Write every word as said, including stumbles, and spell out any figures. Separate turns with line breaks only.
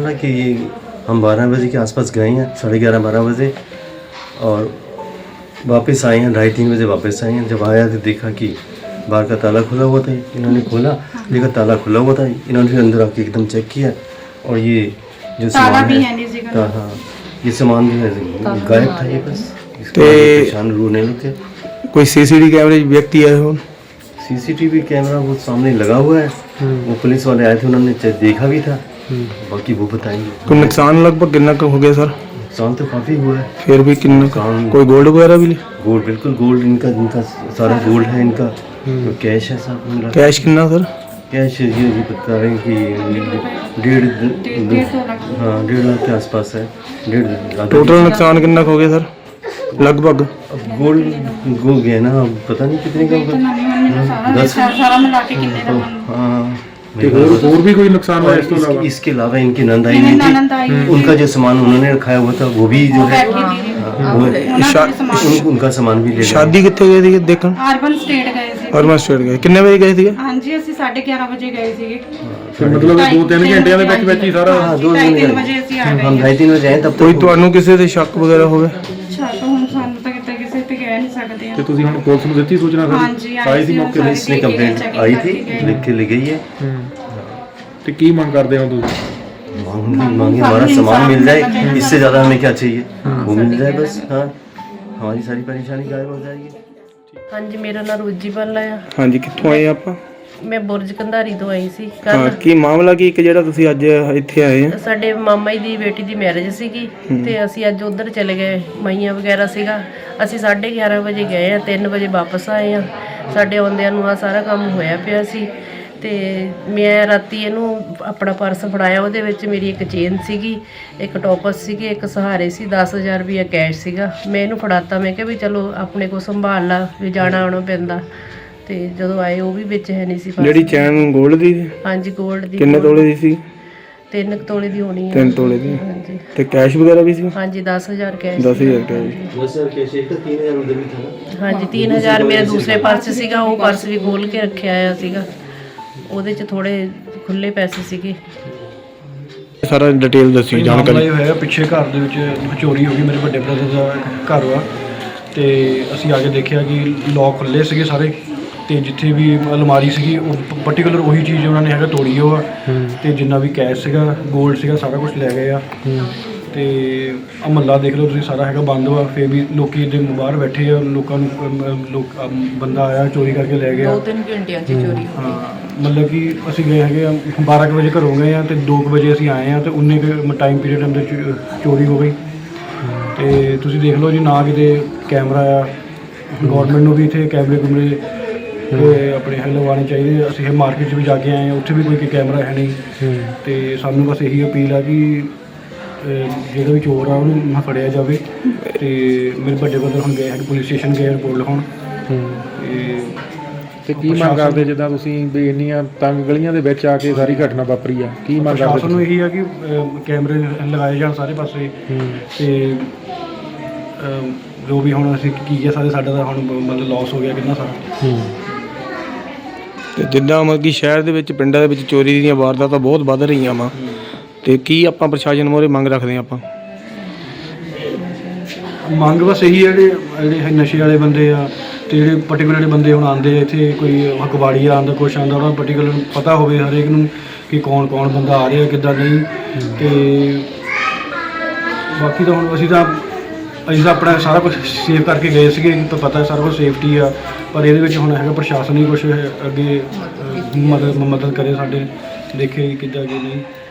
रहा कि ये हम बारह बजे के आसपास गए हैं, साढ़े ग्यारह बारह बजे, और वापस आए हैं ढाई तीन बजे वापस आए हैं। जब आया तो देखा कि बाहर का ताला खुला हुआ था। इन्होंने खोला, देखा ताला खुला हुआ था। इन्होंने फिर अंदर आके एकदम चेक किया और ये जो सामान है, हाँ ये सामान जो है गायब था। ये बस परेशान रोने लगे।
कोई सीसीटीवी कैमरे व्यक्ति आए हो?
सीसीटीवी कैमरा वो सामने लगा हुआ है, वो पुलिस वाले आए थे, उन्होंने देखा भी था, बाकी वो बताएंगे।
कोई नुकसान लगभग कितना का हो गया सर?
नुकसान तो काफ़ी हुआ है।
फिर भी कितना? कोई गोल्ड वगैरह भी?
गोल्ड, बिल्कुल गोल्ड, इनका इनका सारा गोल्ड है इनका। तो कैश है सब।
कैश कितना सर?
कैश ये ये बता रहे हैं कि डेढ़ हाँ डेढ़ लाख के आसपास है। डेढ़ लाख।
टोटल नुकसान कितना हो गया सर लगभग?
अब गोल्ड गो गया ना, अब पता नहीं कितने का होगा। दस हाँ
और भी कोई नुकसान हुआ इसके अलावा?
इसके अलावा इनकी नंद आई नहीं थी, उनका जो सामान उन्होंने रखाया हुआ था वो भी जो है वो उनका सामान भी ले।
शादी कितने गए थे देखन?
अर्बन स्टेट गए थे।
अर्बन स्टेट गए कितने बजे गए थे?
हाँ जी ਅਸੀਂ साढ़े ग्यारह बजे गए ਸੀਗੇ।
मतलब दो तीन घंटिਆਂ ਦੇ ਵਿੱਚ ਵਿੱਚ ਹੀ ਸਾਰਾ?
हाँ दो तीन बजे ਅਸੀਂ आ गए। हम ढाई तीन बजे आए तब।
ਕੋਈ ਤੁਹਾਨੂੰ ਕਿਸੇ ਤੇ ਸ਼ੱਕ ਵਗੈਰਾ ਹੋਵੇ?
ਸ਼ੱਕ ਹੁਣ ਸਾਨੂੰ ਤਾਂ ਕਿਤੇ ਕਿਸੇ ਤੇ ਕਹਿ ਨਹੀਂ ਸਕਦੇ
ਤੇ ਤੁਸੀਂ ਹੁਣ ਪੁਲਿਸ ਨੂੰ ਦਿੱਤੀ ਸੂਚਨਾ?
हाँ जी
आई थी मौके पे, इसने कंप्लेंट आई थी, लिख के ले गई है।
ਤੇ ਕੀ ਮੰਗ ਕਰਦੇ ਹੋ ਤੁਸੀਂ?
मांग मांगे हमारा सामान मिल जाए, इससे ज़्यादा हमें क्या चाहिए, वो मिल जाए बस। हाँ हमारी सारी परेशानी गायब हो जाएगी।
हाँ जी मेरा नाम रोजी बाला है।
हाँ जी कित्थों आए आप?
मैं बुरज कंधारी तो आई सी
ਹਾਂ
ਕੱਲ।
ਕੀ ਮਾਮਲਾ ਕੀ ਇੱਕ ਜਿਹੜਾ ਤੁਸੀਂ ਅੱਜ ਇੱਥੇ ਆਏ ਆ?
ਸਾਡੇ ਮਾਮਾ ਜੀ ਦੀ ਬੇਟੀ ਦੀ ਮੈਰਿਜ ਸੀਗੀ ਤੇ ਅਸੀਂ ਅੱਜ ਉਧਰ ਚਲੇ ਗਏ। ਮਈਆਂ ਵਗੈਰਾ ਸੀਗਾ, ਅਸੀਂ ਸਾਢੇ ਗਿਆਰਾਂ ਵਜੇ ਗਏ ਆ, ਤਿੰਨ ਵਜੇ ਵਾਪਸ ਆਏ ਆ। ਸਾਡੇ ਆਉਂਦਿਆਂ ਨੂੰ ਆ ਸਾਰਾ ਕੰਮ ਹੋਇਆ ਪਿਆ ਸੀ। ਤੇ ਮੈਂ ਰਾਤੀ ਇਹਨੂੰ ਆਪਣਾ ਪਰਸ ਫੜਾਇਆ, ਉਹਦੇ ਵਿੱਚ ਮੇਰੀ ਇੱਕ ਚੇਨ ਸੀਗੀ, ਇੱਕ ਟੋਪਸ ਸੀਗੇ, ਇੱਕ ਸਹਾਰੇ ਸੀ, ਦਸ ਹਜ਼ਾਰ ਰੁਪਈਆ ਕੈਸ਼ ਸੀਗਾ। ਮੈਂ ਇਹਨੂੰ ਫੜਾਤਾ, ਮੈਂ ਕਿਹਾ ਵੀ ਚਲੋ ਆਪਣੇ ਕੋਲ ਸੰਭਾਲ ਲਾ, ਵੀ ਜਾਣਾ ਆਉਣਾ ਪੈਂਦਾ। ਤੇ ਜਦੋਂ ਆਏ ਉਹ ਵੀ ਵਿੱਚ ਹੈ ਨਹੀਂ ਸੀ।
ਜਿਹੜੀ ਚੈਨ ਗੋਲਡ ਦੀ?
ਹਾਂਜੀ ਗੋਲਡ ਦੀ।
ਕਿੰਨੇ ਤੋਲੇ ਦੀ ਸੀ?
ਤਿੰਨ ਤੋਲੇ ਦੀ ਹੋਣੀ ਹੈ।
ਤਿੰਨ ਤੋਲੇ ਦੀ।
ਹਾਂਜੀ
ਤੇ ਕੈਸ਼ ਵਗੈਰਾ ਵੀ ਸੀ?
ਹਾਂਜੀ ਦਸ ਹਜ਼ਾਰ ਕੈਸ਼।
ਦਸ ਹਜ਼ਾਰ ਕੈਸ਼।
दस हज़ार कैश एक तो तीन हज़ार उधर भी था ना।
ਹਾਂਜੀ तीन हज़ार ਮੇਰਾ ਦੂਸਰੇ ਪਰਸ ਸੀਗਾ, ਉਹ ਪਰਸ ਵੀ ਖੋਲ ਕੇ ਰੱਖਿਆ ਆ ਸੀਗਾ, ਉਹਦੇ 'ਚ ਥੋੜੇ ਖੁੱਲੇ ਪੈਸੇ ਸੀਗੇ।
ਸਾਰਾ ਡਿਟੇਲ ਦੱਸੀ ਜਾਣਕਾਰੀ।
ਮਾਮਲਾ ਹੋਇਆ ਪਿੱਛੇ ਘਰ ਦੇ ਵਿੱਚ ਚੋਰੀ ਹੋ ਗਈ। ਮੇਰੇ ਵੱਡੇ ਬ੍ਰਦਰ ਦਾ ਘਰ ਵਾ ਤੇ ਅਸੀਂ ਆ ਕੇ ਦੇਖਿਆ ਕਿ ਲੋਕ ਖੁੱਲੇ ਸੀਗੇ ਸਾਰੇ, ਤੇ ਜਿੱਥੇ ਵੀ ਅਲਮਾਰੀ ਸੀਗੀ ਉਹ ਪਾਰਟਿਕੂਲਰ ਉਹੀ ਚੀਜ਼ ਉਹਨਾਂ ਨੇ ਹੈਗਾ ਤੋੜੀ ਉਹ ਆ। ਤੇ ਜਿੰਨਾ ਵੀ ਕੈਸ਼ ਸੀਗਾ, ਗੋਲਡ ਸੀਗਾ, ਸਾਰਾ ਕੁਝ ਲੈ ਗਏ ਆ। ਤੇ ਆ ਮਹੱਲਾ ਦੇਖ ਲਓ ਤੁਸੀਂ, ਸਾਰਾ ਹੈਗਾ ਬੰਦ ਵਾ। ਫਿਰ ਵੀ ਲੋਕੀ ਇਹਦੇ ਬਾਹਰ ਬੈਠੇ ਆ, ਲੋਕਾਂ ਨੂੰ ਲੋਕ ਬੰਦਾ ਆਇਆ ਚੋਰੀ ਕਰਕੇ ਲੈ ਗਿਆ।
ਦੋ ਤਿੰਨ ਘੰਟਿਆਂ 'ਚ ਚੋਰੀ।
ਹਾਂ ਮਤਲਬ ਕਿ ਅਸੀਂ ਗਏ ਹੈਗੇ ਆ ਬਾਰਾਂ ਕੁ ਵਜੇ ਘਰੋਂ ਗਏ ਆ, ਤੇ ਦੋ ਕੁ ਵਜੇ ਅਸੀਂ ਆਏ ਆ, ਤੇ ਉਨੇ ਕੁ ਟਾਈਮ ਪੀਰੀਅਡ ਅੰਦਰ ਚੋਰੀ ਹੋ ਗਈ। ਤੇ ਤੁਸੀਂ ਦੇਖ ਲਓ ਜੀ, ਨਾ ਕਿਤੇ ਕੈਮਰਾ ਆ। ਗੌਰਮੈਂਟ ਨੂੰ ਵੀ ਇੱਥੇ ਕੈਮਰੇ ਕੁਮਰੇ ਤੇ ਆਪਣੇ ਹੈ ਲਗਵਾਉਣੇ ਚਾਹੀਦੇ। ਅਸੀਂ ਮਾਰਕੀਟ 'ਚ ਵੀ ਜਾ ਕੇ ਆਏ ਹਾਂ, ਉੱਥੇ ਵੀ ਕੋਈ ਕੈਮਰਾ ਹੈ ਨਹੀਂ। ਤੇ ਸਾਨੂੰ ਬਸ ਇਹੀ ਅਪੀਲ ਆ ਕਿ ਜਿਹੜਾ ਵੀ ਚੋਰ ਆ ਉਹਨੂੰ ਫੜਿਆ ਜਾਵੇ। ਤੇ ਮੇਰੇ ਵੱਡੇ ਬ੍ਰਦਰ ਹੁਣ ਗਏ ਹੈ ਪੁਲਿਸ ਸਟੇਸ਼ਨ ਗਏ ਰਿਪੋਰਟ ਲਿਖਾਉਣ।
ਤੇ ਕੀ ਮੰਗ ਕਰਦੇ ਜਿੱਦਾਂ ਤੁਸੀਂ ਵੀ ਇੰਨੀਆਂ ਤੰਗ ਗਲੀਆਂ ਦੇ ਵਿੱਚ ਆ ਕੇ ਸਾਰੀ ਘਟਨਾ ਵਾਪਰੀ ਆ, ਕੀ ਮੰਗ ਕਰਦੇ?
ਸਾਨੂੰ ਇਹੀ ਆ ਕਿ ਕੈਮਰੇ ਲਗਾਏ ਜਾਣ ਸਾਰੇ ਪਾਸੇ। ਤੇ ਜੋ ਵੀ ਹੁਣ ਅਸੀਂ ਕੀ ਹੈ ਸਾਰੇ ਸਾਡਾ ਤਾਂ ਹੁਣ ਮਤਲਬ ਲਾਸ ਹੋ ਗਿਆ ਕਿੰਨਾ ਸਾਰਾ।
ਤੇ ਜਿੱਦਾਂ ਮਤਲਬ ਕਿ ਸ਼ਹਿਰ ਦੇ ਵਿੱਚ ਪਿੰਡਾਂ ਦੇ ਵਿੱਚ ਚੋਰੀ ਦੀਆਂ ਵਾਰਦਾਤਾਂ ਬਹੁਤ ਵੱਧ ਰਹੀਆਂ ਵਾ, ਤੇ ਕੀ ਆਪਾਂ ਪ੍ਰਸ਼ਾਸਨ ਮੋਰੇ ਮੰਗ ਰੱਖਦੇ ਆਪਾਂ?
ਮੰਗ ਬਸ ਇਹੀ ਹੈ ਜਿਹੜੇ ਜਿਹੜੇ ਨਸ਼ੇ ਵਾਲੇ ਬੰਦੇ ਆ, ਤੇ ਜਿਹੜੇ ਪਾਰਟੀਕੂਲਰ ਜਿਹੜੇ ਬੰਦੇ ਹੁਣ ਆਉਂਦੇ ਆ ਇੱਥੇ, ਕੋਈ ਹਕਵਾੜੀਆ ਆਉਂਦਾ, ਕੁਛ ਆਉਂਦਾ, ਉਹਨਾਂ ਨੂੰ ਪਾਰਟੀਕੂਲਰ ਪਤਾ ਹੋਵੇ ਹਰੇਕ ਨੂੰ ਕਿ ਕੌਣ ਕੌਣ ਬੰਦਾ ਆ ਰਿਹਾ ਕਿੱਦਾਂ ਨਹੀਂ। ਤੇ ਬਾਕੀ ਤਾਂ ਹੁਣ ਅਸੀਂ ਤਾਂ ਅਸੀਂ ਤਾਂ ਆਪਣਾ ਸਾਰਾ ਕੁਛ ਸੇਵ ਕਰਕੇ ਗਏ ਸੀਗੇ, ਤਾਂ ਪਤਾ ਸਾਰਾ ਕੁਛ ਸੇਫਟੀ ਆ। ਪਰ ਇਹਦੇ ਵਿੱਚ ਹੁਣ ਹੈਗਾ ਪ੍ਰਸ਼ਾਸਨ ਹੀ ਕੁਛ ਅੱਗੇ ਮਦਦ ਮਦਦ ਕਰੇ ਸਾਡੇ, ਦੇਖੇ ਕਿੱਦਾਂ ਕੀ ਨਹੀਂ।